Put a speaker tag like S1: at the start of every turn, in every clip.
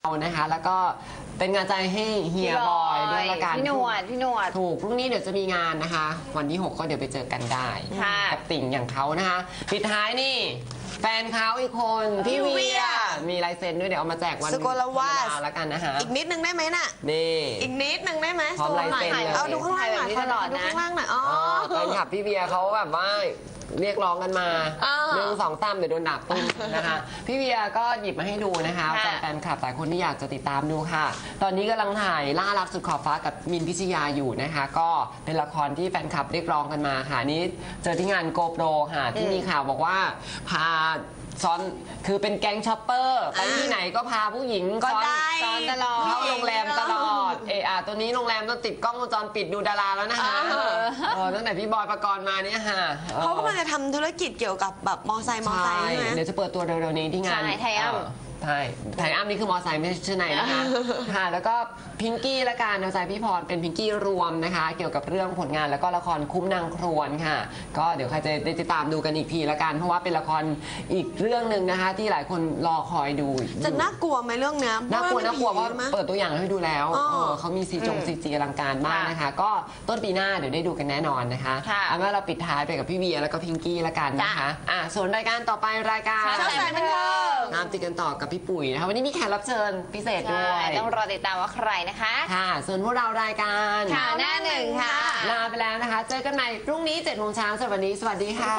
S1: เอานะคะแล้วก็เป็นงานใจให้เฮียบอยด้วยละกัน
S2: พี่หนวด
S1: ถูกพรุ่งนี้เดี๋ยวจะมีงานนะคะวันที่ 6ก็เดี๋ยวไปเจอกันได้กับติ่งอย่างเขานะคะปิดท้ายนี่แฟนเขาอีกคนพี่เวียมีลายเซ็นด้วยเดี๋ยวเอามาแจกวัน
S3: สกลวาส
S1: แล้วกันนะคะ
S3: อีกนิดนึงได้ไหมน่ะ
S1: นี่
S3: อีกนิดนึงได้ไหม
S1: พร้อมลายเซ็นเลย
S3: เอาดูข้างล่างหน่อย
S2: ตลอดนะ
S3: ดูข้างล่างหน่อยอ๋อ
S1: แฟนคลับพี่เวียเขาแบบว่าเรียกร้องกันมา1 2 3เดี๋ยวโดนดักตุ้มนะคะพี่เวียก็หยิบมาให้ดูนะคะแฟนคลับหลายคนที่อยากจะติดตามดูค่ะตอนนี้กำลังถ่ายล่ารักสุดขอบฟ้ากับมินพิชยาอยู่นะคะก็เป็นละครที่แฟนคลับเรียกร้องกันมาค่ะนี้เจอที่งานโกโปรค่ะที่มีข่าวบอกว่าพาซ้อนคือเป็นแก๊งช็อปเปอร์ไปที่ไหนก็พาผู้หญิงซ้อนตลอดเข้าโรงแรมตลอดตัวนี้โรงแรมต้องติดกล้องวงจรปิดดูดาราแล้วนะคะตั้งแต่พี่บอยปกรณ์มาเนี่ยค่ะ
S3: เขากำลังจะทำธุรกิจเกี่ยวกับแบบมอไซค์ใช่ไหม
S1: เดี๋ยวจะเปิดตัวเร็วๆนี้ที่งาน
S2: ไทยอ้ำ
S1: ใช่ไทยอ้ำนี่คือมอไซค์ไม่ใช่ชื่อไหนนะคะค่ะแล้วก็พิงกี้ละกันเอาใจพี่พรเป็นพิงกี้รวมนะคะเกี่ยวกับเรื่องผลงานแล้วก็ละครคุ้มนางครวนค่ะก็เดี๋ยวใครจะได้ติดตามดูกันอีกทีละกันเพราะว่าเป็นละครอีกเรื่องหนึ่งนะคะที่หลายคนรอคอยดู
S3: จะน่ากลัวไหมเรื่องนี้
S1: น่ากลัวเพราะเปิดตัวอย่างให้ดูแล้วเขามีซีจีอลังการมากนะคะก็ต้นปีหน้าเดี๋ยวได้ดูกันแน่นอนนะคะเอาว่าเราปิดท้ายไปกับพี่เวียแล้วก็พิงกี้ละกันนะคะส่วนรายการต่อไปรายการ
S3: ชอบสายบันเทิง
S1: ตามติดกันต่อกับพี่ปุ๋ยนะคะวันนี้มีแขกรับเชิญพิเศษด้วย
S2: ต้องรอติดตามว่าใครนะคะ
S1: ค่ะส่วนพวกเรารายการ
S2: ข่าวหน้าหนึ่งค่ะ
S1: ลาไปแล้วนะคะเจอกันใหม่พรุ่งนี้7 โมงเช้าสำหรับวันนี้สวัสดีค่ะ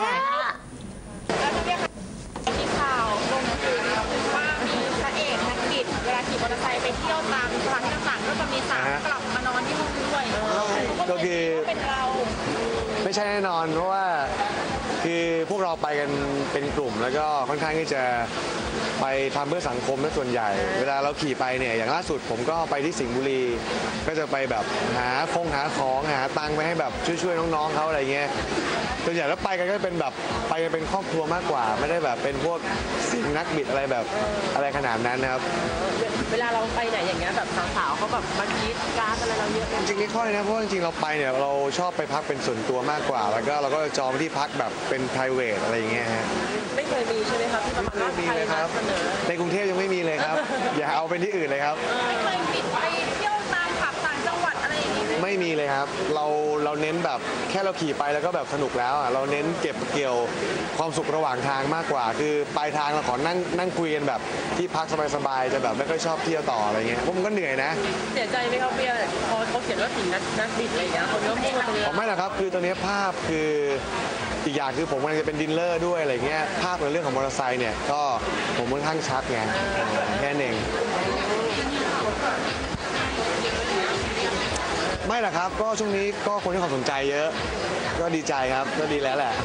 S4: มีข่าวลงสื่อว่ามีพระเอกนักกิจเวลาขี่มอเตอร์ไซค์ไปเที่ยวตามสถานที่ต่างๆก็จะมีสาวกลับมานอนที่ห้องด้วย
S5: ก็คือ
S4: เป็นเรา
S5: ไม่ใช่แน่นอนเพราะว่าคือพวกเราไปกันเป็นกลุ่มแล้วก็ค่อนข้างที่จะไปทำเพื่อสังคมและส่วนใหญ่เวลาเราขี่ไปเนี่ยอย่างล่าสุดผมก็ไปที่สิงห์บุรีก็จะไปแบบหาของหาตังค์ไปให้แบบช่วยน้องๆเขาอะไรเงี้ยส่วนใหญ่แล้วไปกันก็เป็นแบบไปกันเป็นครอบครัวมากกว่าไม่ได้แบบเป็นพวกสิ่งนักบิดอะไรแบบอะไรขนาดนั้นนะครับ
S4: เวลาเราไปไหนอย่างเงี้ยแบบสาวๆเขาแบบมาคิดการอะไรเราเยอะ
S5: จริงๆไม่ค่อยนะเพราะจริงๆเราไปเนี่ยเราชอบไปพักเป็นส่วนตัวมากกว่าแล้วก็เราก็จองที่พักแบบเป็น private อะไรอย่างเงี้ยฮะ
S4: ไม่เคยมีใช่ไหมครับที่
S5: ไม่เคยมีเลยครับในกรุงเทพยังไม่มีเลยครับอย่าเอาเป็นที่อื่นเลยครับ
S4: ไม่เคยบิดไปเที่ยวตามผับต่างจังหวัดอะไรอย่างงี้
S5: ไม่มีเลยครับเราเน้นแบบแค่เราขี่ไปแล้วก็แบบสนุกแล้วอ่ะเราเน้นเก็บเกี่ยวความสุขระหว่างทางมากกว่าคือปลายทางเราขอนั่งคุยกันแบบที่พักสบายๆจะแบบไม่ค่อยชอบเที่ยวต่ออะไรเงี้ยเพราะมันก็เหนื่อยนะ
S4: เสียใจไหมครับเบียร์พอเขาเขียนว่าถึงนักบิดอะไรอย่างเงี้ยคนก็มุ่งมาตรงนี้
S5: ไม่หรอกครับคือตอนนี้ภาพคืออีกอย่างคือผมกำลังจะเป็นดิลเลอร์ด้วยอะไรเงี้ยภาพในเรื่องของมอเตอร์ไซค์เนี่ยก็ผมค่อนข้างชัดไงแค่นั้นเองไม่หรอกครับก็ช่วงนี้ก็คนที่ความสนใจเยอะก็ดีใจครับก็ดีแล้วแหละ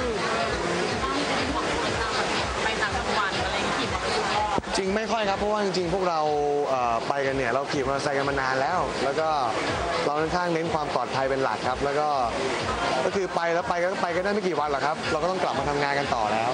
S4: ไปต่างจังหวัดอะไรขี่มอเตอร์ไซค์
S5: จริงไม่ค่อยครับเพราะว่าจริงๆพวกเราไปกันเนี่ยเราขี่มอเตอร์ไซค์กันมานานแล้วแล้วก็เราค่อนข้างเน้นความปลอดภัยเป็นหลักครับแล้วก็คือไปแล้วไปกันได้ไม่กี่วันหรอกครับเราก็ต้องกลับมาทำงานกันต่อแล้ว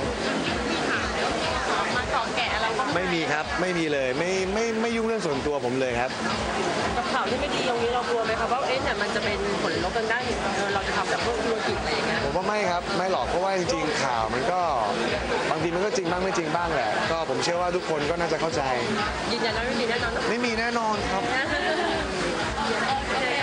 S4: มาเกาะแกะอะไรก็
S5: ไม่มีครับไม่มีเลยไม่ยุ่งเรื่องส่วนตัวผมเลยครับ
S4: กับข่าวที่ไม่ดีตรงนี้เรากลัวไหมครับว่าเนี่ยมันจะเป็นผลลบกันได้เราจะทำแบบพวกธุรกิจอะไรอย่างเงี้ย
S5: ผมว่าไม่ครับไม่หรอกเพราะว่าจริงๆข่าวมันก็บางทีมันก็จริงบ้างไม่จริงบ้างแหละก็ผมเชื่อว่าทุกคนก็น่าจะเข้าใจ
S4: ยืนยันว่าไม่มีแน่นอน
S5: ไม่มีแน่นอนครับ